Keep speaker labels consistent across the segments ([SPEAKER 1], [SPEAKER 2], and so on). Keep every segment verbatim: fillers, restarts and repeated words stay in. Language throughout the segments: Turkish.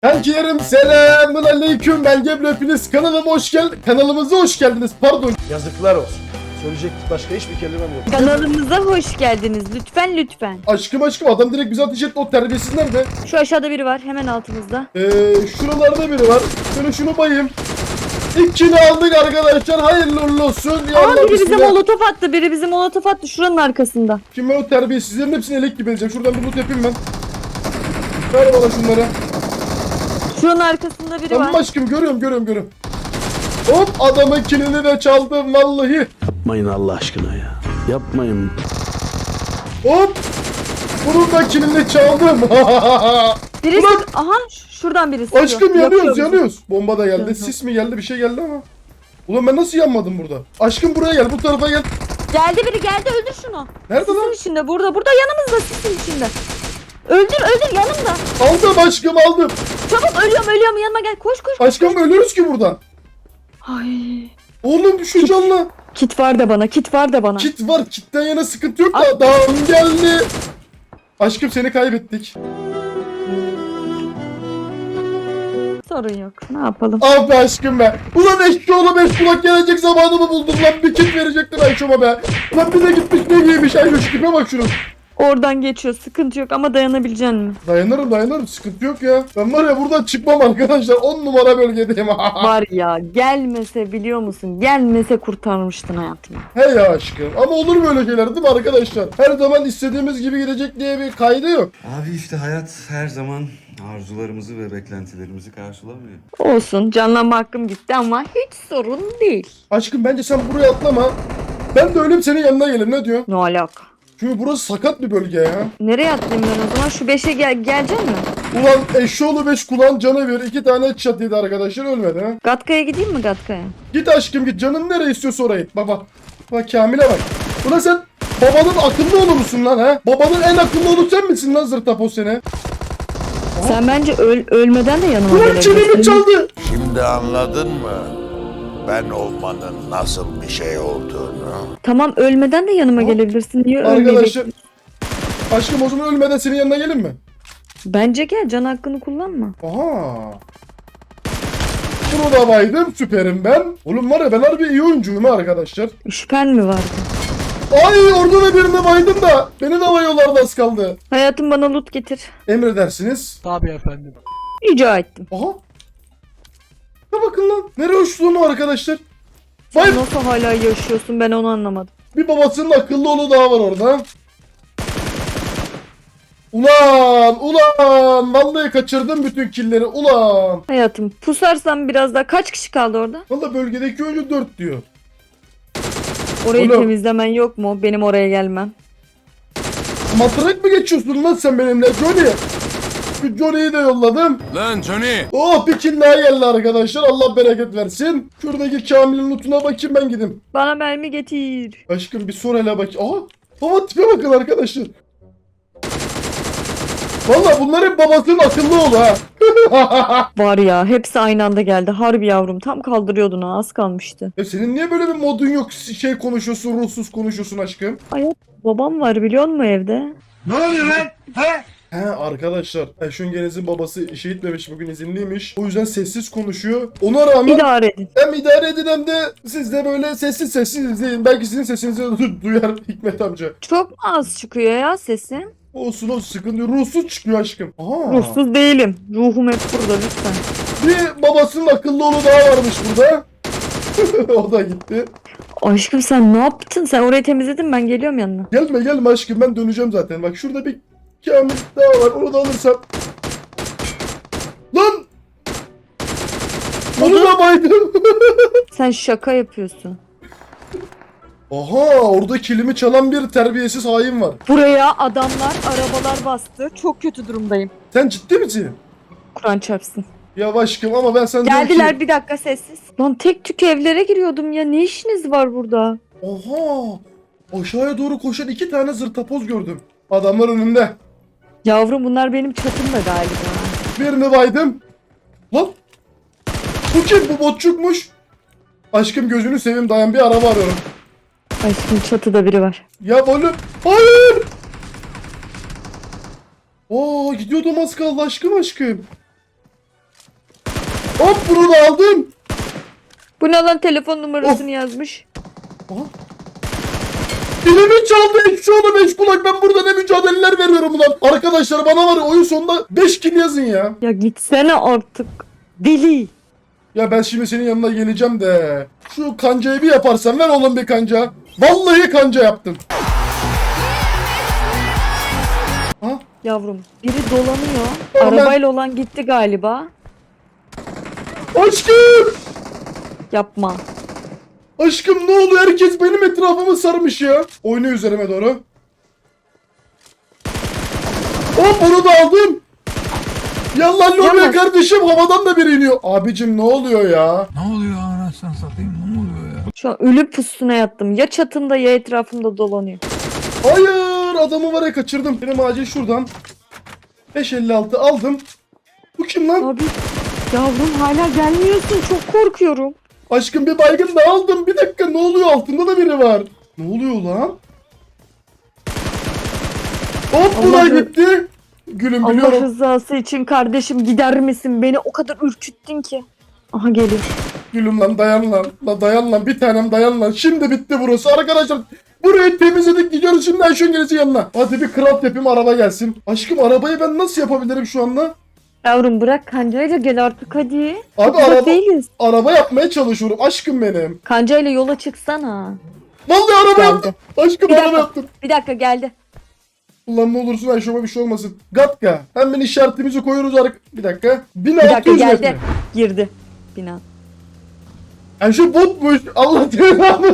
[SPEAKER 1] Herkese selamun aleyküm, ben Gebru, hepiniz kanalıma hoş geldiniz. Kanalımıza hoş geldiniz, pardon. Yazıklar olsun. Söyleyecek başka hiçbir kelimem yok.
[SPEAKER 2] Kanalımıza hoş geldiniz. Lütfen lütfen.
[SPEAKER 1] Aşkım aşkım, adam direkt bize ateş etti, o terbiyesiz nerede?
[SPEAKER 2] Şu aşağıda biri var, hemen altımızda.
[SPEAKER 1] Ee, şuralarda biri var. Şöyle şunu bayayım. İkini aldık arkadaşlar, hayırlı uğurlu olsun. Ya
[SPEAKER 2] Aa,
[SPEAKER 1] Allah,
[SPEAKER 2] biri bize
[SPEAKER 1] bismillah.
[SPEAKER 2] molotof attı. Biri bize molotof attı şuranın arkasında.
[SPEAKER 1] Şimdi ben o terbiyesizlerin hepsini elek gibi edeceğim. Şuradan bir loot yapayım ben. Ver bana şunları.
[SPEAKER 2] Şuranın arkasında biri
[SPEAKER 1] Tamam
[SPEAKER 2] var.
[SPEAKER 1] aşkım, görüyorum görüyorum görüyorum. Hop, adamın kilini de çaldım vallahi.
[SPEAKER 3] Yapmayın Allah aşkına ya. Yapmayın.
[SPEAKER 1] Hop. Bunun da kilini çaldım.
[SPEAKER 2] Birisi...
[SPEAKER 1] Ulan!
[SPEAKER 2] Aha ş- şuradan birisi.
[SPEAKER 1] Aşkım
[SPEAKER 2] Yakıyor
[SPEAKER 1] yanıyoruz
[SPEAKER 2] bizi.
[SPEAKER 1] yanıyoruz. Bomba da geldi.
[SPEAKER 2] Yanıyor.
[SPEAKER 1] Sis mi geldi, bir şey geldi ama. Ulan ben nasıl yanmadım burada? Aşkım buraya gel, bu tarafa gel.
[SPEAKER 2] Geldi biri geldi, öldür şunu.
[SPEAKER 1] Nerede
[SPEAKER 2] Sisin
[SPEAKER 1] lan?
[SPEAKER 2] içinde, burada burada yanımızda, sisin içinde. Öldür öldür yanımda.
[SPEAKER 1] Aldım aşkım, aldım.
[SPEAKER 2] Çabuk, ölüyorum ölüyorum, yanıma gel, koş koş.
[SPEAKER 1] Aşkım ölürüz ki buradan.
[SPEAKER 2] Ay.
[SPEAKER 1] Oğlum düşün canlı.
[SPEAKER 2] Kit var da bana, kit var da bana.
[SPEAKER 1] Kit var, kitten yana sıkıntı yok
[SPEAKER 2] Ay.
[SPEAKER 1] da adam geldi. Aşkım seni kaybettik.
[SPEAKER 2] Sorun yok, ne yapalım.
[SPEAKER 1] Ah be aşkım be. Ulan eşşoğlu beş kulak gelecek zamanımı buldum lan. Bir kit verecektim Ayşo'ma be. Lan bir de gitmiş ne giymiş Ayşo, tipe bak şunu.
[SPEAKER 2] Oradan geçiyor, sıkıntı yok ama dayanabilecek mi?
[SPEAKER 1] Dayanırım dayanırım, sıkıntı yok ya. Ben var ya buradan çıkmam arkadaşlar, on numara bölgedeyim.
[SPEAKER 2] Var ya, gelmese biliyor musun? Gelmese kurtarmıştın hayatımı.
[SPEAKER 1] He ya aşkım, ama olur böyle şeyler değil mi arkadaşlar? Her zaman istediğimiz gibi gidecek diye bir kaydı yok.
[SPEAKER 4] Abi işte hayat her zaman arzularımızı ve beklentilerimizi karşılamıyor.
[SPEAKER 2] Olsun, canlanma hakkım gitti ama hiç sorun değil.
[SPEAKER 1] Aşkım bence sen buraya atlama. Ben de ölüm senin yanına gelir, ne diyor?
[SPEAKER 2] Ne alaka?
[SPEAKER 1] Çünkü burası sakat bir bölge ya.
[SPEAKER 2] Nereye atlayayım ben o zaman? Şu beşe gel gelecek mi?
[SPEAKER 1] Ulan eşşoğlu beş kulağın canı bir, iki tane çatıydı arkadaşlar, ölmedi ha.
[SPEAKER 2] Gatka'ya gideyim mi Gatka'ya?
[SPEAKER 1] Git aşkım git, canın nereye istiyorsa oraya git. Baba. Bak Kamil'e bak. Ulan sen babanın akıllı oğlu musun lan ha? Babanın en akıllı oğlu sen misin lan zırtapos seni?
[SPEAKER 2] Sen bence öl ölmeden de yanıma
[SPEAKER 1] Ulan çenemi
[SPEAKER 2] gelebilirsin.
[SPEAKER 1] çaldı.
[SPEAKER 5] Şimdi anladın mı? Ben olmanın nasıl bir şey olduğunu.
[SPEAKER 2] Tamam, ölmeden de yanıma gelebilirsin. Niye
[SPEAKER 1] Arkadaşlar.
[SPEAKER 2] ölmeyeceksin?
[SPEAKER 1] Aşkım o zaman ölmeden senin yanına gelin mi?
[SPEAKER 2] Bence gel, can hakkını kullanma.
[SPEAKER 1] Aha. Bunu da baydım, süperim ben. Oğlum var ya, ben harbi iyi oyuncuyum ha arkadaşlar.
[SPEAKER 2] Şüphen mi vardı?
[SPEAKER 1] Ay orada da birini baydım da beni de bayıyorlardı, az kaldı.
[SPEAKER 2] Hayatım, bana loot getir.
[SPEAKER 1] Emredersiniz.
[SPEAKER 2] Rica ettim.
[SPEAKER 1] Aha. Ya bakın lan, nereye uçtuğunu arkadaşlar.
[SPEAKER 2] Sen
[SPEAKER 1] Vay,
[SPEAKER 2] nasıl hala yaşıyorsun, ben onu anlamadım.
[SPEAKER 1] bir babasının akıllı oğlu daha var orada. Ulan ulan, vallahi kaçırdım bütün killleri ulan.
[SPEAKER 2] Hayatım, pusarsan biraz daha, kaç kişi kaldı orada?
[SPEAKER 1] Vallahi bölgedeki oyuncu dört diyor.
[SPEAKER 2] Orayı
[SPEAKER 1] Oğlum.
[SPEAKER 2] temizlemen yok mu? Benim oraya gelmem.
[SPEAKER 1] Matrak mı geçiyorsun lan sen benimle Johnny? Şu Johnny'yi de yolladım.
[SPEAKER 6] Lan Johnny!
[SPEAKER 1] Oh, bir kill daha geldi arkadaşlar, Allah bereket versin. Şuradaki Kamil'in lootuna bakayım, ben gideyim.
[SPEAKER 2] Bana mermi getir.
[SPEAKER 1] Aşkım bir sor hele bak. Aha. Baba tipe bakın arkadaşlar. Vallahi bunlar hep babasının akıllı oğlu ha.
[SPEAKER 2] Var ya, hepsi aynı anda geldi. Harbi yavrum, tam kaldırıyordun ha, az kalmıştı.
[SPEAKER 1] Ya senin niye böyle bir modun yok, şey konuşuyorsun, ruhsuz konuşuyorsun aşkım?
[SPEAKER 2] Babam var biliyor musun evde?
[SPEAKER 1] He arkadaşlar, Eşöngeniz'in babası işe gitmemiş, bugün izinliymiş. O yüzden sessiz konuşuyor. Ona rağmen
[SPEAKER 2] İdare edin.
[SPEAKER 1] hem idare edin hem de siz de böyle sessiz sessiz izleyin. Belki sizin sesinizi du- duyar Hikmet amca.
[SPEAKER 2] Çok mu az çıkıyor ya sesin?
[SPEAKER 1] Olsun olsun, sıkıntı yok. Ruhsuz çıkıyor aşkım. Aha.
[SPEAKER 2] Ruhsuz değilim. Ruhum hep burada lütfen.
[SPEAKER 1] Bir babasının akıllı oğlu daha varmış burada. O da gitti.
[SPEAKER 2] Aşkım sen ne yaptın? Sen orayı temizledin, ben geliyorum yanına.
[SPEAKER 1] Gelme gelme aşkım, ben döneceğim zaten. Bak şurada bir Kamil daha var, onu da alırsam. Lan! Onu da baydım.
[SPEAKER 2] Sen şaka yapıyorsun.
[SPEAKER 1] Aha, orada kilimi çalan bir terbiyesiz hain var.
[SPEAKER 2] Buraya adamlar, arabalar bastı. Çok kötü durumdayım.
[SPEAKER 1] Sen ciddi misin?
[SPEAKER 2] Kur'an çarpsın.
[SPEAKER 1] Ya aşkım ama ben sen diyorum
[SPEAKER 2] Geldiler,
[SPEAKER 1] ki...
[SPEAKER 2] bir dakika sessiz. Lan tek tük evlere giriyordum ya. Ne işiniz var burada?
[SPEAKER 1] Oha! Aşağıya doğru koşan iki tane zırtapoz gördüm. Adamlar önümde.
[SPEAKER 2] Yavrum, bunlar benim çatımda galiba.
[SPEAKER 1] Birini baydım. Lan! Bu kim? Bu botçukmuş. Aşkım gözünü seveyim, dayan, bir araba arıyorum.
[SPEAKER 2] Aşkım, çatıda biri var.
[SPEAKER 1] Ya böyle... Hayır! Oo, gidiyordum az kaldı aşkım aşkım. Hop bunu da aldım.
[SPEAKER 2] Bu ne lan, telefon numarasını yazmış.
[SPEAKER 1] Aha. Dilimi çaldı ekşi oğlu beş kulak. Ben burada ne mücadeleler veriyorum ulan. Arkadaşlar bana var ya, oyun sonunda beş kill yazın ya.
[SPEAKER 2] Ya gitsene artık. Deli.
[SPEAKER 1] Ya ben şimdi senin yanına geleceğim de. Şu kancayı bir yaparsan ver oğlum bir kanca. Vallahi kanca yaptım. Ha?
[SPEAKER 2] Yavrum biri dolanıyor.
[SPEAKER 1] Tamam, ben-
[SPEAKER 2] Arabayla olan gitti galiba.
[SPEAKER 1] Aşkım!
[SPEAKER 2] Yapma.
[SPEAKER 1] Aşkım ne oluyor? Herkes benim etrafımı sarmış ya. Oyna üzerime doğru. Hop onu da aldım. Yallah lobiye
[SPEAKER 2] Yallah.
[SPEAKER 1] kardeşim, havadan da biri iniyor. Abicim ne oluyor ya?
[SPEAKER 6] Ne oluyor anasını satayım, ne oluyor ya?
[SPEAKER 2] Şu an ölü pusuna yattım. Ya çatımda ya etrafımda dolanıyor.
[SPEAKER 1] Hayır, adamı var ya kaçırdım. Benim acil şuradan beş elli altı aldım. Bu kim lan?
[SPEAKER 2] Abi yavrum hala gelmiyorsun, çok korkuyorum.
[SPEAKER 1] Aşkım bir baygın da aldım. Bir dakika, ne oluyor? Altında da biri var. Ne oluyor lan? Hop bu da
[SPEAKER 2] Allah'ım.
[SPEAKER 1] gitti. Gülüm
[SPEAKER 2] Allah
[SPEAKER 1] biliyorum.
[SPEAKER 2] rızası için kardeşim gider misin? Beni o kadar ürküttün ki. Aha geliyor.
[SPEAKER 1] Gülüm lan dayan lan. La dayan lan, bir tanem dayan lan. Şimdi bitti burası arkadaşlar. Burayı temizledik, gidiyoruz şimdi Ayşen gelesi yanına. Hadi bir craft yapayım, araba gelsin. Aşkım arabayı ben nasıl yapabilirim şu anda?
[SPEAKER 2] Yavrum bırak kancayla gel artık hadi.
[SPEAKER 1] Abi
[SPEAKER 2] Uzak
[SPEAKER 1] araba,
[SPEAKER 2] değiliz.
[SPEAKER 1] araba yapmaya çalışıyorum aşkım benim.
[SPEAKER 2] Kancayla yola çıksana.
[SPEAKER 1] Vallahi araba
[SPEAKER 2] Geldi.
[SPEAKER 1] yaptım. Aşkım
[SPEAKER 2] Bir
[SPEAKER 1] araba
[SPEAKER 2] dakika.
[SPEAKER 1] yaptım.
[SPEAKER 2] Bir dakika geldi.
[SPEAKER 1] Ulan ne olursun Ayşe'me bir şey olmasın. Gatka. Hemen işaretimizi koyuyoruz arka. Bir dakika.
[SPEAKER 2] Bir dakika
[SPEAKER 1] bin altı yüz
[SPEAKER 2] geldi.
[SPEAKER 1] metre.
[SPEAKER 2] Girdi. Bina.
[SPEAKER 1] Ayşe botmuş. Allah cezanı.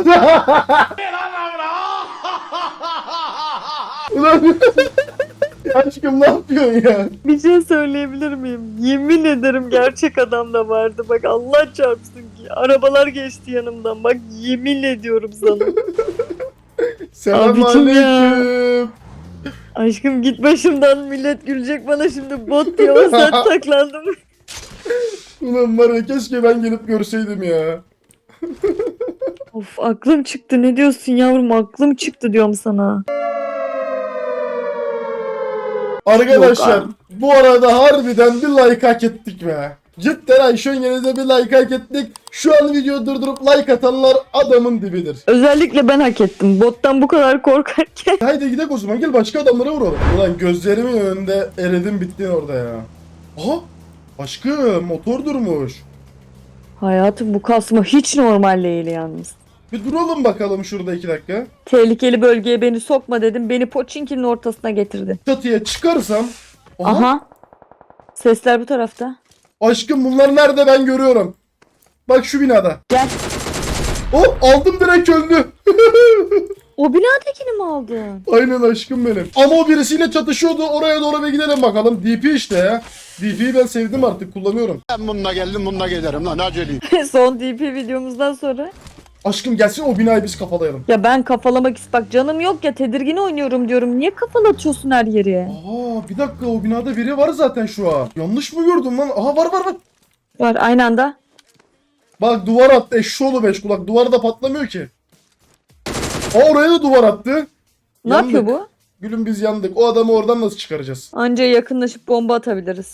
[SPEAKER 1] Ulan aşkım ne yapıyorsun ya?
[SPEAKER 2] Bir şey söyleyebilir miyim? Yemin ederim gerçek adam da vardı. Bak Allah çarpsın ki. Arabalar geçti yanımdan. Bak yemin ediyorum sana. Abicim ya.
[SPEAKER 1] Selamünaleyküm.
[SPEAKER 2] Aşkım git başımdan, millet gülecek bana şimdi, bot diye o saat taklandım.
[SPEAKER 1] Ulan var ya, keşke ben gelip görseydim ya.
[SPEAKER 2] Of aklım çıktı, ne diyorsun yavrum, aklım çıktı diyorum sana.
[SPEAKER 1] Arkadaşlar
[SPEAKER 2] Yok
[SPEAKER 1] bu arada harbiden bir like hak ettik be. Cidden Ayşen Yeniz'e bir like hak ettik. Şu an videoyu durdurup like atanlar adamın dibidir.
[SPEAKER 2] Özellikle ben hak ettim bottan bu kadar korkarken.
[SPEAKER 1] Haydi gidelim o zaman, gel başka adamlara vuralım. Ulan gözlerimin önünde eridin bittin orada ya. Aha aşkım motor durmuş.
[SPEAKER 2] Hayatım bu kasma hiç normal değil yalnız.
[SPEAKER 1] Bir duralım bakalım şurada iki dakika.
[SPEAKER 2] Tehlikeli bölgeye beni sokma dedim, beni Poçinki'nin ortasına getirdi.
[SPEAKER 1] Çatıya çıkarsam. Aha,
[SPEAKER 2] Aha. Sesler bu tarafta.
[SPEAKER 1] aşkım bunlar nerede, ben görüyorum. Bak şu binada.
[SPEAKER 2] Gel.
[SPEAKER 1] Hop aldım, direkt öldü.
[SPEAKER 2] O binadakini mi aldın?
[SPEAKER 1] Aynen aşkım benim. Ama o birisiyle çatışıyordu. Oraya doğru bir gidelim bakalım. D P işte ya. D P'yi ben sevdim, artık kullanıyorum.
[SPEAKER 7] Ben bununla geldim, bununla giderim lan aceleyim.
[SPEAKER 2] Son D P videomuzdan sonra.
[SPEAKER 1] Aşkım gelsin o binayı biz kafalayalım.
[SPEAKER 2] Ya ben kafalamak ist bak canım yok ya, tedirgin oynuyorum diyorum. Niye kafalatıyorsun her yeri?
[SPEAKER 1] Aa bir dakika, o binada biri var zaten şu an. Yanlış mı gördüm lan? Aha var var var.
[SPEAKER 2] Var aynı anda.
[SPEAKER 1] Bak duvar attı eşşoğlu beş kulak. Duvar da patlamıyor ki. Aa oraya da duvar attı.
[SPEAKER 2] Ne
[SPEAKER 1] Yandık.
[SPEAKER 2] yapıyor bu?
[SPEAKER 1] Gülüm biz yandık. O adamı oradan nasıl çıkaracağız?
[SPEAKER 2] Anca yakınlaşıp bomba atabiliriz.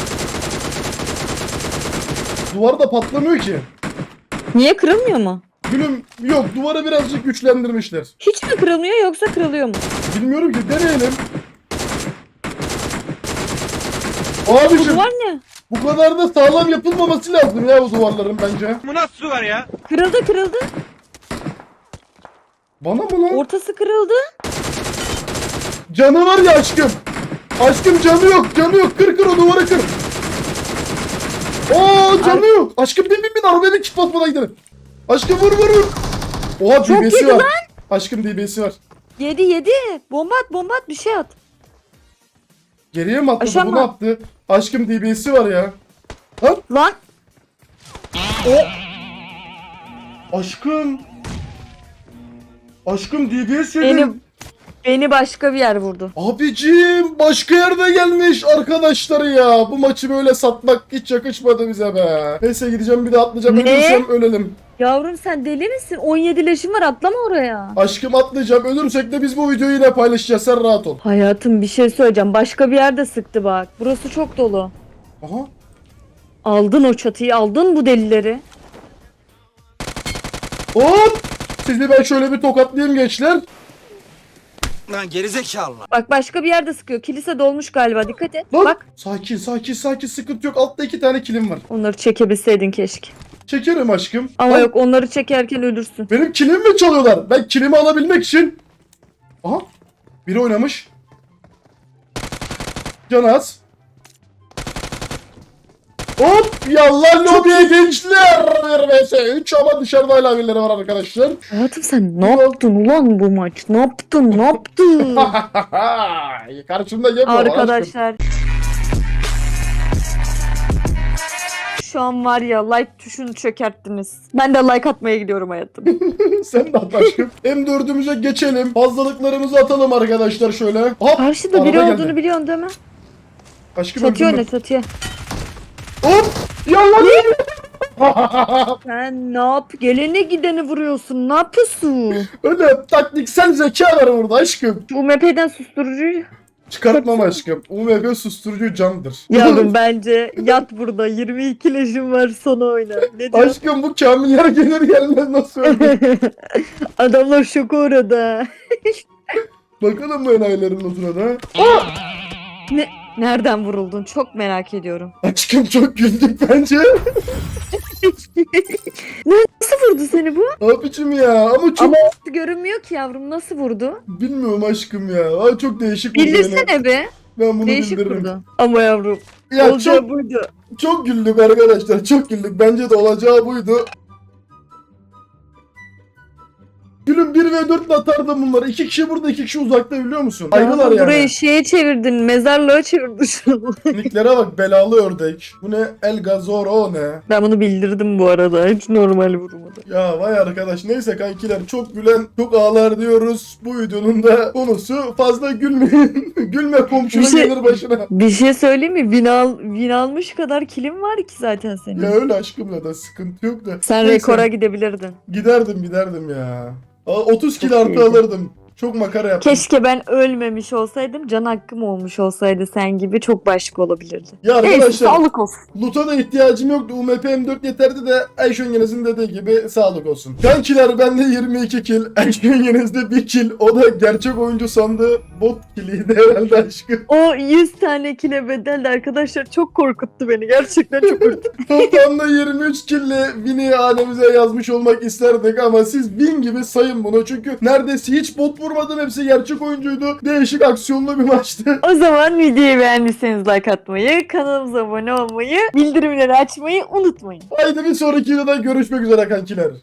[SPEAKER 1] Duvar da patlamıyor ki.
[SPEAKER 2] Niye, kırılmıyor mu?
[SPEAKER 1] Gülüm yok, duvarı birazcık güçlendirmişler.
[SPEAKER 2] Hiç mi kırılmıyor yoksa kırılıyor mu?
[SPEAKER 1] Bilmiyorum ki, deneyelim.
[SPEAKER 2] Bu
[SPEAKER 1] Abiciğim
[SPEAKER 2] duvar ne?
[SPEAKER 1] bu kadar da sağlam yapılmaması lazım ya bu duvarların bence.
[SPEAKER 2] Kırıldı kırıldı.
[SPEAKER 1] Bana mı lan?
[SPEAKER 2] Ortası kırıldı.
[SPEAKER 1] Canı var ya aşkım. Aşkım canı yok, canı yok. Kır kır o duvarı kır. Oo canı yok. Aşkım bin bin bin arabaya bir kit basmadan gidelim. Aşkım vur vur vur. Oha
[SPEAKER 2] Çok
[SPEAKER 1] D B'si
[SPEAKER 2] yedi
[SPEAKER 1] var.
[SPEAKER 2] lan.
[SPEAKER 1] Aşkım D B'si var.
[SPEAKER 2] Yedi yedi. Bomba at bomba at, bir şey at.
[SPEAKER 1] Geriye mi atladı,
[SPEAKER 2] Aşağı
[SPEAKER 1] bu
[SPEAKER 2] mı?
[SPEAKER 1] ne yaptı? Aşkım D B'si var ya. Lan
[SPEAKER 2] Lan.
[SPEAKER 1] aşkım. Aşkım D B'si
[SPEAKER 2] Beni,
[SPEAKER 1] yedim.
[SPEAKER 2] beni başka bir yer vurdu.
[SPEAKER 1] Abicim başka yerde gelmiş arkadaşları ya. Bu maçı böyle satmak hiç yakışmadı bize be. Neyse gideceğim bir de atlayacağım.
[SPEAKER 2] Ne?
[SPEAKER 1] Ölürsem ölelim.
[SPEAKER 2] Yavrum sen deli misin? on yedi leşim var, atlama oraya.
[SPEAKER 1] Aşkım atlayacağım. Ölürsek de biz bu videoyu yine paylaşacağız. Sen rahat ol.
[SPEAKER 2] Hayatım bir şey söyleyeceğim. Başka bir yerde sıktı bak. Burası çok dolu.
[SPEAKER 1] Aha.
[SPEAKER 2] Aldın o çatıyı, aldın bu delileri.
[SPEAKER 1] Hop! Sizi ben şöyle bir tokatlayayım gençler.
[SPEAKER 8] Lan gerizekalı.
[SPEAKER 2] Bak başka bir yerde sıkıyor. Kilise dolmuş galiba, dikkat et.
[SPEAKER 1] Lan!
[SPEAKER 2] Bak
[SPEAKER 1] Sakin sakin sakin, sıkıntı yok. Altta iki tane kilim var.
[SPEAKER 2] onları çekebilseydin keşke.
[SPEAKER 1] Çekerim aşkım.
[SPEAKER 2] Ama
[SPEAKER 1] Lan,
[SPEAKER 2] yok, onları çekerken ölürsün.
[SPEAKER 1] benim kilimi mi çalıyorlar? Ben kilimi alabilmek için. Aha. Biri oynamış. Canaz. Hop! Yallah lobiye gençler. bir vs üç ama dışarıda hala birileri var arkadaşlar.
[SPEAKER 2] Hayatım sen ne yaptın ulan bu maç? Ne yaptın? Ne yaptın?
[SPEAKER 1] Karşımda yem var aşkım.
[SPEAKER 2] Arkadaşlar. Şu an var ya, like tuşunu çökerttiniz. Ben de like atmaya gidiyorum hayatım.
[SPEAKER 1] Sen de at aşkım. M dördümüze geçelim. Fazlalıklarımızı atalım arkadaşlar şöyle. Hop!
[SPEAKER 2] Karşıda biri
[SPEAKER 1] araba
[SPEAKER 2] olduğunu
[SPEAKER 1] geldi.
[SPEAKER 2] biliyorsun değil mi?
[SPEAKER 1] Aşkım
[SPEAKER 2] Çatıya
[SPEAKER 1] öldüm
[SPEAKER 2] oyna, çatıya.
[SPEAKER 1] ben. Hop! Yallah!
[SPEAKER 2] Sen ne yap? Gelene gideni vuruyorsun. Ne yapıyorsun?
[SPEAKER 1] Öyle taktiksel zeka var burada aşkım.
[SPEAKER 2] Bu M P'den susturucuyu.
[SPEAKER 1] Çıkartmam aşkım. U M P susturucu candır.
[SPEAKER 2] Yavrum bence yat burada. yirmi iki leşim var, sonra oyna. Ne diyorsun?
[SPEAKER 1] Aşkım bu kamiller gelir gelmez nasıl öldü?
[SPEAKER 2] Adamlar şoka uğradı.
[SPEAKER 1] Bakalım bu enayilerin notuna da.
[SPEAKER 2] Ne? Nereden vuruldun? Çok merak ediyorum.
[SPEAKER 1] Aşkım çok güldük bence.
[SPEAKER 2] Nasıl vurdu seni bu?
[SPEAKER 1] Abicim ya ama çok
[SPEAKER 2] Ama görünmüyor ki yavrum. Nasıl vurdu?
[SPEAKER 1] bilmiyorum aşkım ya. Ay çok değişik vurdu beni.
[SPEAKER 2] Bildirsene be.
[SPEAKER 1] Ben bunu
[SPEAKER 2] Değişik
[SPEAKER 1] bildiririm.
[SPEAKER 2] vurdu. Ama yavrum.
[SPEAKER 1] Ya
[SPEAKER 2] olacağı
[SPEAKER 1] çok,
[SPEAKER 2] buydu.
[SPEAKER 1] çok güldük arkadaşlar. Çok güldük. Bence de olacağı buydu. Gülüm bir ve dört ile atardım bunları. İki kişi burada, iki kişi uzakta biliyor musun? Ayrılar
[SPEAKER 2] Yavrum,
[SPEAKER 1] yani.
[SPEAKER 2] burayı şeye çevirdin. Mezarlığa çevirdin şu an.
[SPEAKER 1] Nicklere bak, belalı ördek. Bu ne? El Gazoro ne?
[SPEAKER 2] Ben bunu bildirdim bu arada. Hiç normal vurmadı.
[SPEAKER 1] Ya vay arkadaş, neyse kankiler, çok gülen çok ağlar diyoruz. Bu videonun da konusu fazla gülmeyin. Gülme komşuna
[SPEAKER 2] Bir şey-
[SPEAKER 1] gelir başına.
[SPEAKER 2] Bir şey söyleyeyim mi? Win, al, win almış kadar kilim var ki zaten senin.
[SPEAKER 1] Ya öyle aşkımla da sıkıntı yok da.
[SPEAKER 2] Sen
[SPEAKER 1] Neyse,
[SPEAKER 2] rekora gidebilirdin.
[SPEAKER 1] giderdim giderdim ya. Aa, otuz kilo
[SPEAKER 2] Çok
[SPEAKER 1] artı
[SPEAKER 2] iyiydi.
[SPEAKER 1] alırdım. Çok makara yaptım.
[SPEAKER 2] Keşke ben ölmemiş olsaydım. Can hakkım olmuş olsaydı sen gibi, çok başka olabilirdi.
[SPEAKER 1] Ya
[SPEAKER 2] Neyse,
[SPEAKER 1] arkadaşlar,
[SPEAKER 2] sağlık olsun.
[SPEAKER 1] loot'a da ihtiyacım yoktu. U M P M dört yeterdi de Ayşen Yeniz'in dediği gibi sağlık olsun. Kankiler bende yirmi iki kill. Ayşen Yeniz'de bir kill. O da gerçek oyuncu sandığı bot killiydi herhalde aşkım.
[SPEAKER 2] O yüz tane kile bedeldi arkadaşlar. Çok korkuttu beni. Gerçekten çok korkuttu.
[SPEAKER 1] Toplamda yirmi üç kill'le Win'i hanemize yazmış olmak isterdik ama siz win gibi sayın bunu. Çünkü neredeyse hiç bot vurmadım. Hepsi gerçek oyuncuydu. Değişik aksiyonlu bir maçtı.
[SPEAKER 2] O zaman videoyu beğendiyseniz like atmayı, kanalımıza abone olmayı, bildirimleri açmayı unutmayın.
[SPEAKER 1] Haydi bir sonraki videoda görüşmek üzere kankiler.